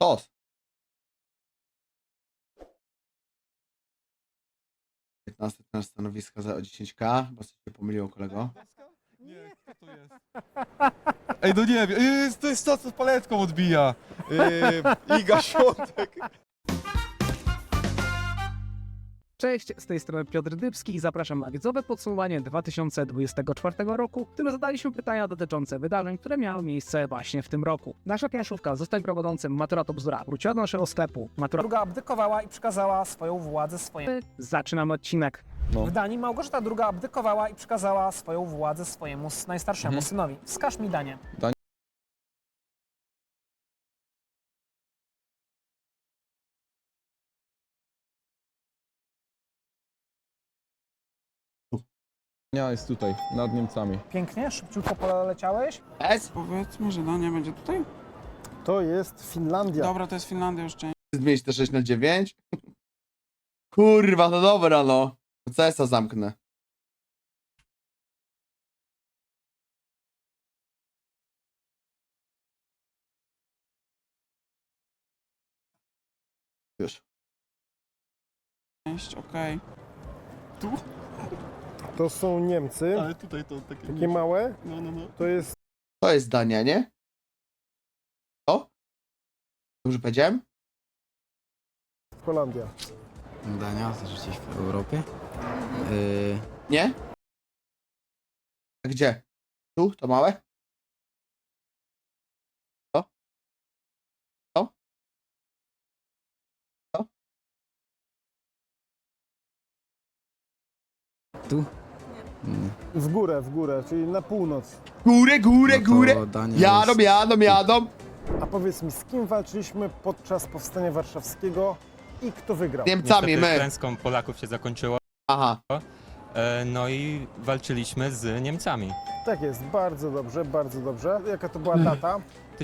Tos. 15 na stanowiska za 10k, bo coś się pomyliło, kolego. Nie, kto to jest? Ej, no nie wiem, to jest to, co z paletką odbija. Iga Świątek. Cześć, z tej strony Piotr Dybski i zapraszam na wiedzowe podsumowanie 2024 roku, w którym zadaliśmy pytania dotyczące wydarzeń, które miały miejsce właśnie w tym roku. Nasza planszówka Zostań prowadzącym Matura to bzdura wróciła do naszego sklepu. Matura Druga abdykowała i przekazała swoją władzę swojemu. zaczynamy odcinek. No. W Danii Małgorzata II abdykowała i przekazała swoją władzę swojemu najstarszemu synowi. Wskaż mi Danię. Ja jest tutaj, nad Niemcami. Pięknie, szybciutko poleciałeś. S? Powiedzmy, że Dania będzie tutaj? To jest Finlandia. Dobra, to jest Finlandia już część. Zmienić te 6 na 9? Kurwa, no dobra, no. CS-a zamknę. Już. Okej. To są Niemcy, Ale tutaj to takie... takie małe. No. To jest To jest Dania, nie? O? Dobrze powiedziałem? Holandia. Dania, też gdzieś w Europie. Nie? A gdzie? Tu? To małe? To? To? To? Tu? W górę, czyli na północ. Górę, górę, No to górę! Dania Jadą, jest- jadą! A powiedz mi, z kim walczyliśmy podczas powstania warszawskiego i kto wygrał? Niemcami, Niestety my. klęską Polaków się zakończyło, Aha. no i walczyliśmy z Niemcami. Tak jest, bardzo dobrze, bardzo dobrze. Jaka to była data?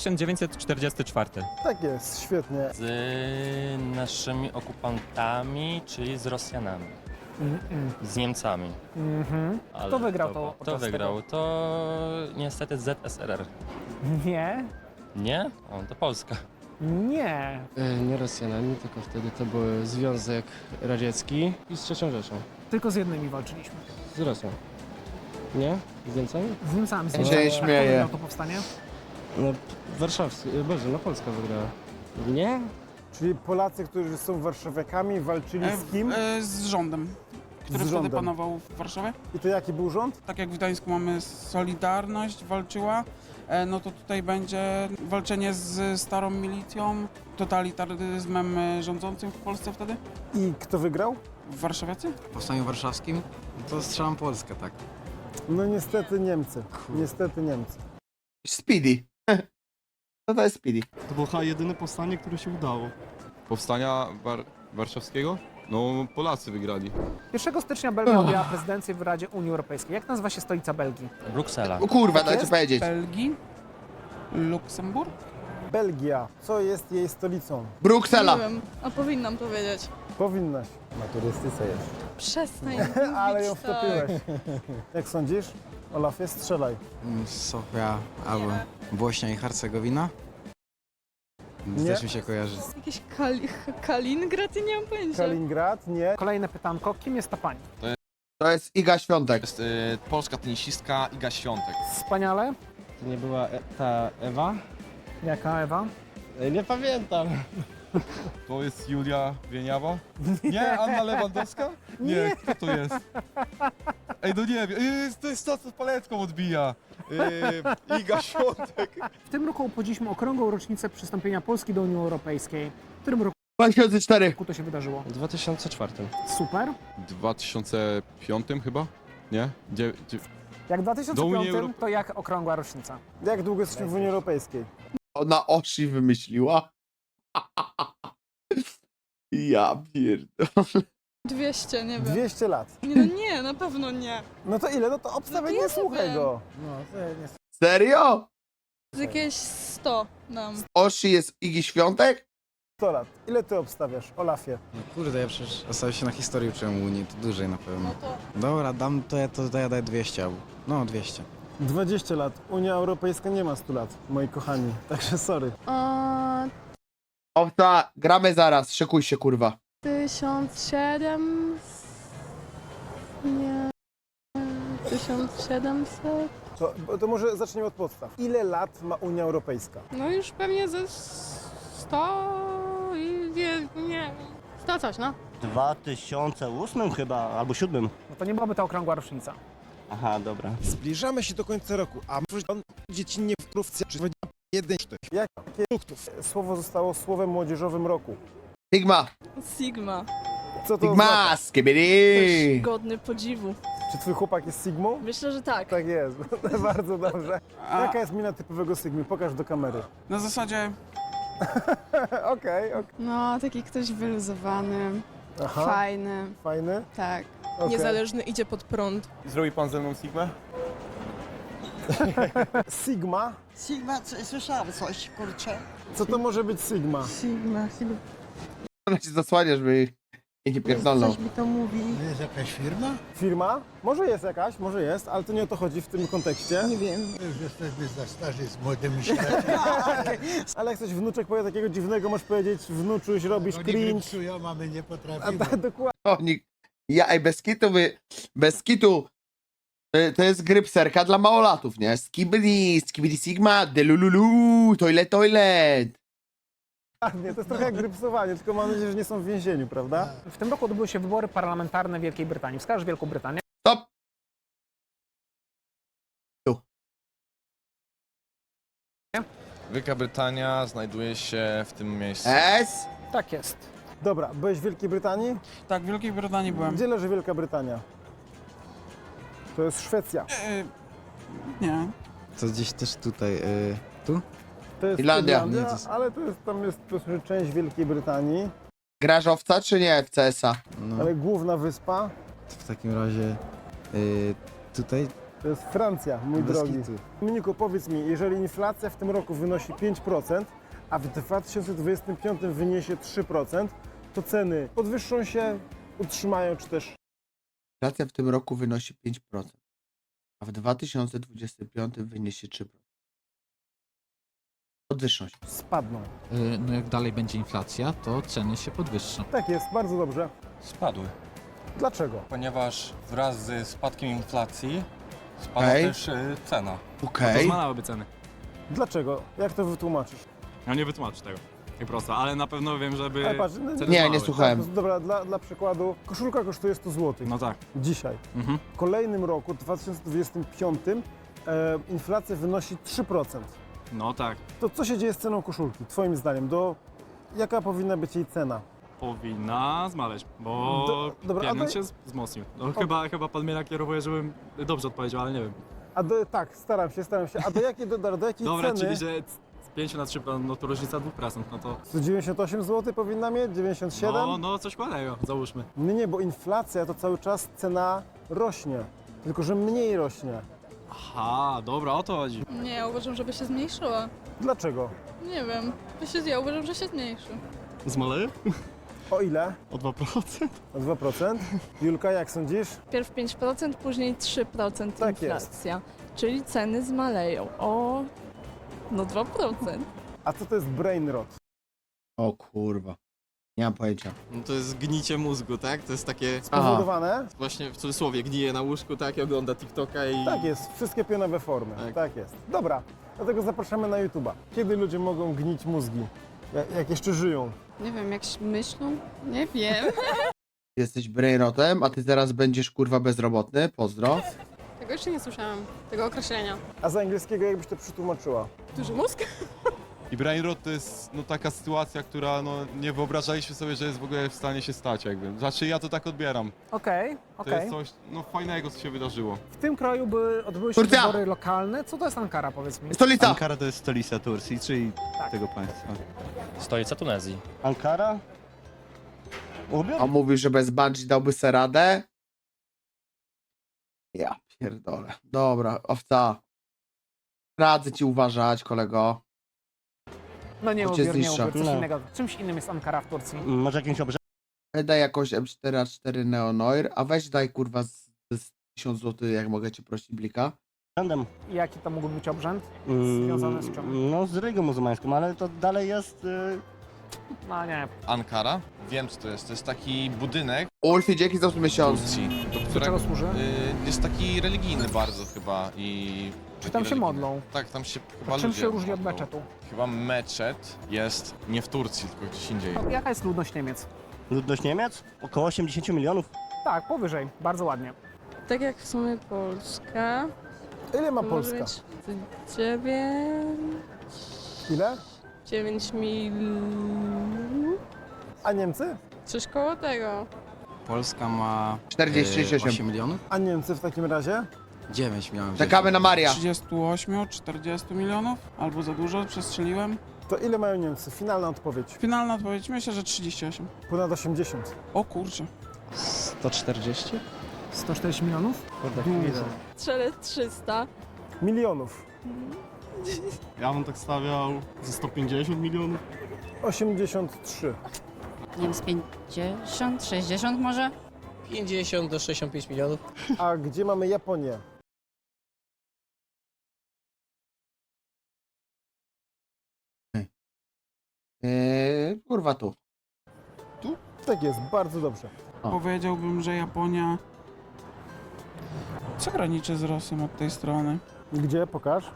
1944. Tak jest, świetnie. Z naszymi okupantami, czyli z Rosjanami, z Niemcami. Ale Kto wygrał to Kto podczas wygrał? To niestety ZSRR. Nie, Nie? O, to Polska. nie. Nie Rosjanami, tylko wtedy to był Związek Radziecki i z III Rzeszą. Tylko z jednymi walczyliśmy. Z Rosją. Nie? Z Niemcami? Z Niemcami. Ja się nie Kto śmieję. wygrał to powstanie? No, warszawski, Boże, no Polska wygrała. Nie? Czyli Polacy, którzy są warszawiakami, walczyli z kim? Z rządem, który wtedy rządem. panował w Warszawie. I to jaki był rząd? Tak jak w Gdańsku mamy Solidarność walczyła, no to tutaj będzie walczenie z starą milicją, totalitaryzmem rządzącym w Polsce wtedy. I kto wygrał? Warszawiacy? W Powstaniu Warszawskim? To strzelam Polskę, tak. No niestety Niemcy. Niestety Niemcy. Speedy. Co to jest Speedy? To było chyba jedyne powstanie, które się udało. Powstania warszawskiego? No, Polacy wygrali. 1 stycznia Belgia objęła prezydencję w Radzie Unii Europejskiej. Jak nazywa się stolica Belgii? Bruksela. O kurwa, dajcie jest? powiedzieć. Belgii? Luksemburg? Belgia. Co jest jej stolicą? Bruksela. Nie wiem, a powinnam to wiedzieć. Powinnaś. Przestań Ale ją mówić tak. wtopiłeś. Jak sądzisz? Olafie, strzelaj. Sofia albo Bośnia i Hercegowina? Nie. Też mi się kojarzy. Jakiś Kaliningrad i nie mam pojęcia. Kaliningrad? Nie. Kolejne pytanko. Kim jest ta pani? To jest Iga Świątek. Jest polska tenisistka Iga Świątek. Wspaniale. To nie była ta Ewa? Jaka Ewa? Nie pamiętam. To jest Julia Wieniawa? Nie, Anna Lewandowska? Nie, kto to jest? Ej, no nie wiem, to jest to, co z paletką odbija. Iga Świątek. W tym roku obchodziliśmy okrągłą rocznicę przystąpienia Polski do Unii Europejskiej. W którym roku 2004. to się wydarzyło? W 2004. Super. W 2005 chyba? Nie? Jak w Do 2005, Unii to jak okrągła rocznica? Jak długo jesteśmy w Unii Europejskiej? Ona Oshi wymyśliła. Ja pierdolę. 200, nie wiem. 200 lat. Nie, no nie, na pewno nie. No to ile? No to obstawiaj, No to nie ja słuchaj wiem. go. Serio? Z jakieś 100 dam. Oshi jest Igi Świątek? 100 lat. Ile ty obstawiasz, Olafie? No kurde, ja przecież ostatnio się na historii uczyłem Unii, to dłużej na pewno. No to Dobra, dam to ja daję 200 albo... No, 200. 20 lat. Unia Europejska nie ma 100 lat, moi kochani. Także sorry. Owca, gramy zaraz, szykuj się, kurwa. 1700... Nie... 1700... To może zaczniemy od podstaw. Ile lat ma Unia Europejska? No już pewnie ze 100 i nie... 100 coś, no. 2008 chyba, albo 7. No to nie byłaby ta okrągła rocznica. Aha, dobra. Zbliżamy się do końca roku, a może on dziecinnie w krówce, czy jeden sztyk. Jakie produktów słowo zostało słowem młodzieżowym roku? Sigma, Sigma. Co to Sigma, oznacza? skibidi. Godny podziwu. Czy twój chłopak jest Sigmą? Myślę, że tak. Tak jest, bardzo dobrze. A Jaka jest mina typowego Sigmy? Pokaż do kamery. na zasadzie Okej. No, taki ktoś wyluzowany, Aha, fajny, fajny. tak. Okay. Niezależny, idzie pod prąd. Zrobi pan ze mną Sigmę? Sigma? Sigma, słyszałam coś, kurczę. Co to może być Sigma? Sigma, Ona się zasłania, żeby jej nie pierdolną. coś mi to mówi. Jest jakaś firma? Firma? Może jest jakaś, może jest, ale to nie o to chodzi w tym kontekście. Nie wiem. Już jesteśmy za starzy z młodymi Ale jak coś wnuczek powie takiego dziwnego, możesz powiedzieć wnuczuś, robisz cringe. mamy nie A, potrafimy. dokładnie. Oni, ej, bez kitu, to jest grypserka dla małolatów, nie? Skibidi Sigma, delululu, toilet. To jest trochę jak grypsowanie, tylko mam nadzieję, że nie są w więzieniu, prawda? W tym roku odbyły się wybory parlamentarne w Wielkiej Brytanii. Wskaż Wielką Brytanię. Stop. Wielka Brytania znajduje się w tym miejscu. S. Tak jest. Dobra, byłeś w Wielkiej Brytanii? tak, w Wielkiej Brytanii byłem. Gdzie leży Wielka Brytania? To jest Szwecja. Nie. To gdzieś też tutaj, tu? To jest Irlandia. ale tam jest po prostu część Wielkiej Brytanii, Grasz owca czy nie w CS-a? No, ale główna wyspa w takim razie tutaj to jest Francja, mój bez drogi. kitu. Dominiku, powiedz mi, jeżeli inflacja w tym roku wynosi 5%, a w 2025 wyniesie 3%, to ceny podwyższą się, utrzymają, czy też Inflacja w tym roku wynosi 5%, a w 2025 wyniesie 3%. Podwyższą się. spadną. No jak dalej będzie inflacja, to ceny się podwyższą. Tak jest, bardzo dobrze. Spadły. Dlaczego? Ponieważ wraz z spadkiem inflacji spada Okej. też cena. Okej. Zmalałyby ceny. Dlaczego? Jak to wytłumaczysz? Ja nie wytłumaczę tego. Tak prosto, ale na pewno wiem, żeby... Ale patrz, Nie słuchałem. Dobra, dla przykładu, koszulka kosztuje 100 zł. No tak. Dzisiaj. Mhm. W kolejnym roku, 2025, inflacja wynosi 3%. No tak. To co się dzieje z ceną koszulki, twoim zdaniem? Jaka powinna być jej cena? Powinna zmaleć, bo dobra, pieniądz się wzmocnił. No, chyba pan mnie nakierowuje, żebym dobrze odpowiedział, ale nie wiem. Tak, staram się. A do jakiej Dobra, ceny? czyli że z 5 na 3, no to różnica 2%, no to... 198 zł powinna mieć? 97? No coś kładnego, załóżmy. Nie, bo inflacja to cały czas cena rośnie. Tylko, że mniej rośnie. Aha, dobra, o to chodzi. Nie, ja uważam, żeby się zmniejszyła. Dlaczego? Nie wiem. Ja uważam, że się zmniejszy. Zmaleje? O ile? O 2%? O 2%? Julka, jak sądzisz? Pierw 5%, później 3% Tak inflacja. Czyli ceny zmaleją o... no 2%. A co to jest brain rot? O kurwa. Nie mam pojęcia. No to jest gnicie mózgu, tak? To jest takie, Spowodowane? właśnie w cudzysłowie, gnije na łóżku, tak? I ogląda TikToka i... Tak jest, wszystkie pionowe formy. Tak jest. Dobra, dlatego zapraszamy na YouTube'a. Kiedy ludzie mogą gnić mózgi? Jak jeszcze żyją? Nie wiem, jak myślą? Nie wiem. Jesteś brainrotem, a ty teraz będziesz kurwa bezrobotny. Pozdro. Tego jeszcze nie słyszałam, tego określenia. A z angielskiego jakbyś to przetłumaczyła? Duży mózg? I brain rot to jest taka sytuacja, która nie wyobrażaliśmy sobie, że jest w ogóle w stanie się stać jakby. Znaczy ja to tak odbieram. Okej. To jest coś fajnego, co się wydarzyło. W tym kraju odbyły się Turcja! wybory lokalne. Co to jest Ankara, powiedz mi? Stolica! Ankara to jest stolica Turcji, czyli tego państwa. Stolica Tunezji. Ankara? A mówisz, że bez bungee dałby se radę? Ja pierdolę. Dobra, owca. Radzę ci uważać, kolego. No nie To cię ubiór, nie zniszczę. ubiór. Coś No. innego. Czymś innym jest Ankara w Turcji. Może jakimś Daj jakąś M4A4 Neonoir, a weź daj kurwa z 1000 zł, jak mogę cię prosić, blika. obrzędem. Jaki to mógł być obrzęd? Związany z czym? No z religią muzułmańską, ale to dalej jest No nie. Ankara? Wiem co to jest. To jest taki budynek Ulfi, dzięki za 8 w miesiąc. Turcji, do Do którego czego służy? jest taki religijny bardzo chyba i... Czy tam się religijny. modlą? Tak, tam się chyba Czym ludzie się różni od modlą. meczetu? Chyba meczet jest nie w Turcji, tylko gdzieś indziej. Jaka jest ludność Niemiec? Ludność Niemiec? Około 80 milionów. Tak, powyżej. Bardzo ładnie. Tak jak w sumie Polska. Ile ma To Polska? może być 9... Ile? 9 mil... A Niemcy? Coś koło tego. Polska ma 48. 8 milionów? A Niemcy w takim razie? 9 milionów. Czekamy na Maria. 38, 40 milionów? Albo za dużo, przestrzeliłem. To ile mają Niemcy? Finalna odpowiedź. Finalna odpowiedź, myślę, że 38. Ponad 80. O kurczę. 140? 140 milionów? Kurde, Dużo. Strzelę 300. Milionów. Ja bym tak stawiał ze 150 milionów. 83. Nie wiem, z 50, 60 może? 50 do 65 milionów. A gdzie mamy Japonię? Kurwa tu. Tak jest, bardzo dobrze. O. Powiedziałbym, że Japonia... Co graniczy z Rosją od tej strony? Gdzie? Pokaż.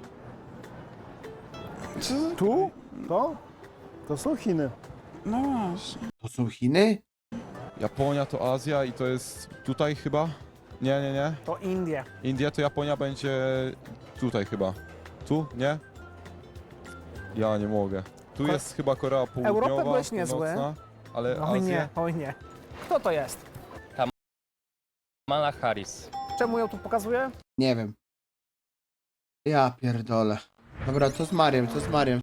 Co? Tu? To? To są Chiny. No właśnie. To są Chiny? Japonia to Azja i to jest tutaj chyba? Nie. To Indie. India to Japonia będzie tutaj chyba. Tu? Nie? Ja nie mogę. Tu jest chyba Korea Południowa, Europę byłeś niezły. Północna, ale Oj Azja... nie, oj nie. Kto to jest? Kamala Harris. Czemu ją tu pokazuję? Nie wiem. Ja pierdolę. Dobra, co z Mariem, co z Mariem?